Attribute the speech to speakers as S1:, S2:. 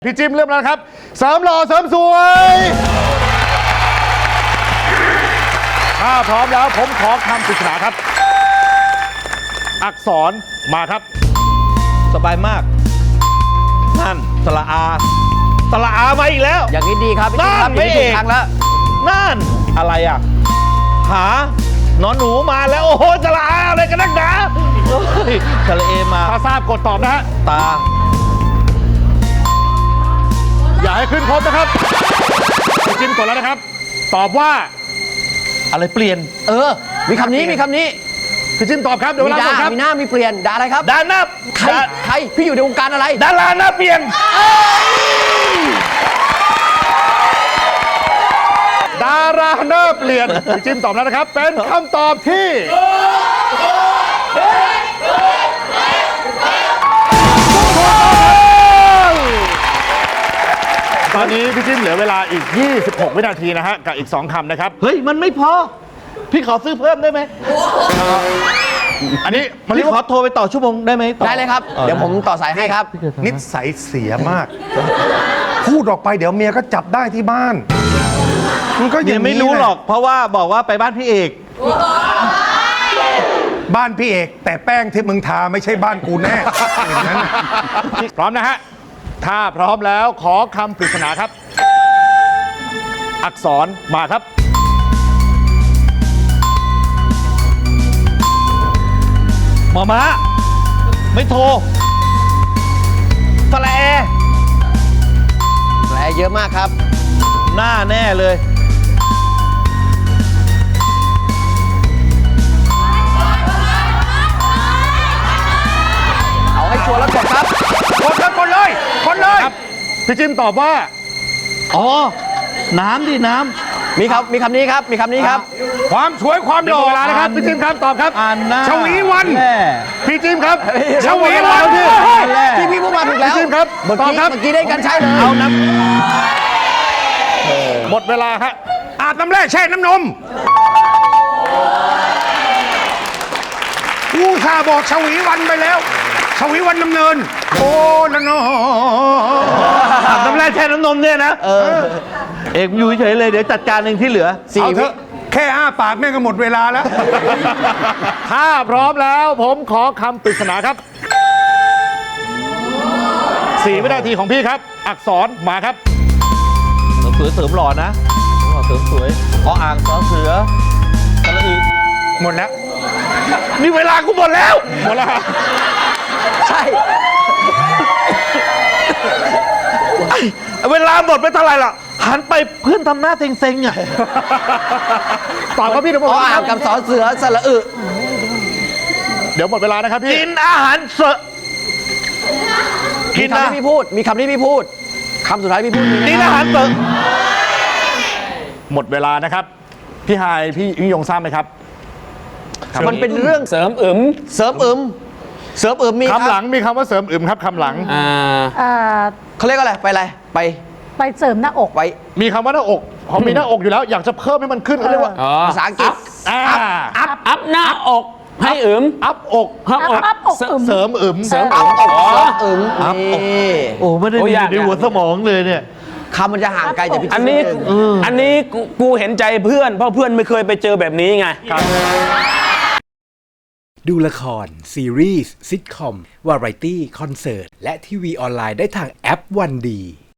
S1: พี่จิมเริ่มแล้วครับเสริมหล่อเสริมสวยถ้าพร้อมแล้วผมขอคำปริศนาครับอักษรมาครับ
S2: สบายมากนั่นสระอามาอีกแล้ว
S3: อย่างนี้ดีครับพี่
S2: นั่นไม่เอก
S3: ครั้งแล้ว
S2: นั่นอะไรอ่ะหานอนหนูมาแล้วโอ้โหสระอาอะไรกันนักหนาสระเอมา
S1: ถ้าทราบกดตอบนะฮะ
S2: ตา
S1: อย่าให้ขึ้นครบนะครับพี่จิมกดแล้วนะครับตอบว่า
S2: อะไรเปลี่ยน
S3: มีคำนี้
S1: พี่จิมตอบครับเดี๋ยวเวลาหมดครับ
S3: มีหน้ามีเปลี่ยนด่าอะไรครับ
S2: ด่าหน้า
S3: ใครพี่อยู่ในวงการอะไร
S2: ดาราหน้าเปลี่ยน
S1: ดาราหน้าเปลี่ยนพี่จิมตอบแล้วนะครับเป็นคำตอบที่ตอนนี้พี่จิมเหลือเวลาอีก26วินาทีนะฮะกับอีก2คำนะครับ
S2: เฮ้ยมันไม่พอพี่ขอซื้อเพิ่มได้ไหม
S1: อันนี้
S2: พี่ขอโทรไปต่อชั่วโมงได้ไหม
S3: ได้เลยครับเดี๋ยวผมต่อสายให้ครับ
S4: นิสัยเสียมากพูดออกไปเดี๋ยวเมียก็จับได้ที่บ้านมันก็ยัง
S2: ไม่รู้หรอกเพราะว่าบอกว่าไปบ้านพี่เอก
S4: บ้านพี่เอกแต่แป้งที่มึงทาไม่ใช่บ้านกูแน่อย่างนั้น
S1: พร้อมนะฮะถ้าพร้อมแล้วขอคำปริศนาครับอักษรมาครับ
S2: หมอม้าไม่โทรสระแอ
S3: เยอะมากครับ
S2: หน้าแน่เลย
S3: เอาให้ชัวร์แล้วกดครับ
S1: กดเลยครับพี่จิมตอบว่า
S2: อ๋อน้ำดิน้ำ
S3: มีคำนี้ครับ
S1: ความสวยความหล่อเวลานะครับพี่จิมครับตอบครับชวีวันพี่จิมครับชวีวัน
S3: ที่พี่พูดมาถูกแล้ว
S1: พี่จิมครับตอบครับ
S3: เมื่อกี้ได้กันใช่เลย
S2: เอาน้ำ
S1: หมดเวลาฮะอาบน้ำแร่แช่น้ำนม
S4: กูข้าบอกชวีวันไปแล้วชวีวันดำเนินโอ้ละนอ
S2: อาบน้ำแร่แช่น้ำนมเนี่ยนะเอกอยู่เฉยเลยเดี๋ยวจัดการเองที่เหลือ
S4: เอาเถอะแค่อ้าปากแม่งก็หมดเวลาแล้ว
S1: ถ้าพร้อมแล้วผมขอคำปริศนาครับ4 วินาทีของพี่ครับอักษรมาครับ
S2: เสริมหล่อนะเสริมสวยอ่างสอเสือสระอึ
S4: หมดแล้ว
S2: นี่เวลากูหมดแล้ว
S3: ใช่
S2: เวลาหมดไปเท่าไหร่ล่ะหันไปเพื่อนทำหน้าเซ็งๆอ่ะ
S1: ตอบครับพี่เดี๋ยว
S3: อ่างกับสอเสือสระอึ
S1: เดี๋ยวหมดเวลานะครับพี่
S2: กินอาหารเสริม
S3: มีคำที่พี่พูดคำสุดท้ายพี่พูด
S2: กินอาหารเสริม
S1: หมดเวลานะครับพี่ไฮพี่ยิ่งยงทราบไหมครับ
S3: มันเป็นเรื่องเสริมอึมมี
S1: คำหลังมีคำว่าเสริมอึมครับคำหลัง
S3: เขาเรียกอะไรไปอะไร
S5: ไปเสริมหน้าอก
S3: ไป
S1: มีคำว่าหน้าอกพอมีหน้าอกอยู่แล้วอยากจะเพิ่มให้มันขึ้นเขาเรียกว่า
S3: ภาษาอังกฤษ
S2: อัพหน้าอกให้อึม
S1: อัพอกเสริมอึม
S2: โอ้ไม่ได้อยู่ในหัวสมองเลยเนี่ย
S3: คำมันจะห่างไกลจากพี่
S6: อันนี้กูเห็นใจเพื่อนเพราะเพื่อนไม่เคยไปเจอแบบนี้ไง
S7: ดูละครซีรีส์ซิทคอมวาไรตี้คอนเสิร์ตและทีวีออนไลน์ได้ทางแอปวันดี